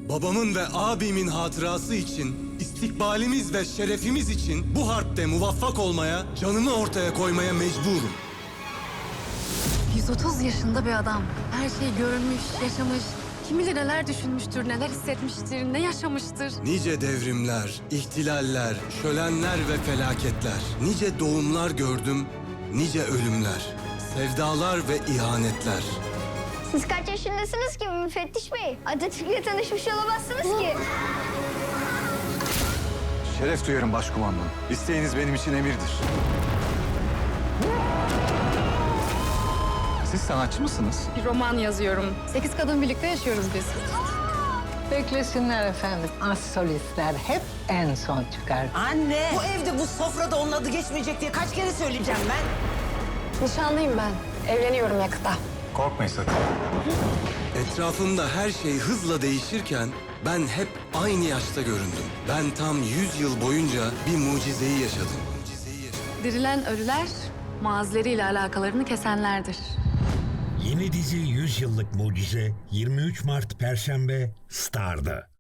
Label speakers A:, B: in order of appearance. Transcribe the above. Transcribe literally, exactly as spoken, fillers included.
A: Babamın ve abimin hatırası için, istikbalimiz ve şerefimiz için bu harpte muvaffak olmaya, canımı ortaya koymaya mecburum.
B: yüz otuz yaşında bir adam. Her şeyi görmüş, yaşamış. Kim bilir neler düşünmüştür, neler hissetmiştir, ne yaşamıştır.
A: Nice devrimler, ihtilaller, şölenler ve felaketler. Nice doğumlar gördüm, nice ölümler. Sevdalar ve ihanetler.
C: Siz kaç yaşındasınız ki müfettiş bey? Atatürk'le tanışmış olamazsınız ki.
D: Şeref duyarım başkumandan. İsteğiniz benim için emirdir. Siz sanatçı mısınız?
B: Bir roman yazıyorum. Sekiz kadın birlikte yaşıyoruz biz.
E: Beklesinler efendim. Az solistler hep en son çıkar.
F: Anne! Bu evde bu sofrada onun adı geçmeyecek diye kaç kere söyleyeceğim ben?
B: Nişanlıyım ben. Evleniyorum yakında.
D: Korkmayın sakın.
A: Etrafımda her şey hızla değişirken ben hep aynı yaşta göründüm. Ben tam yüz yıl boyunca bir mucizeyi yaşadım. Mucizeyi yaşadım.
B: Dirilen ölüler, mazileriyle alakalarını kesenlerdir.
G: Yeni dizi yüz Yıllık Mucize yirmi üç Mart Perşembe Star'da.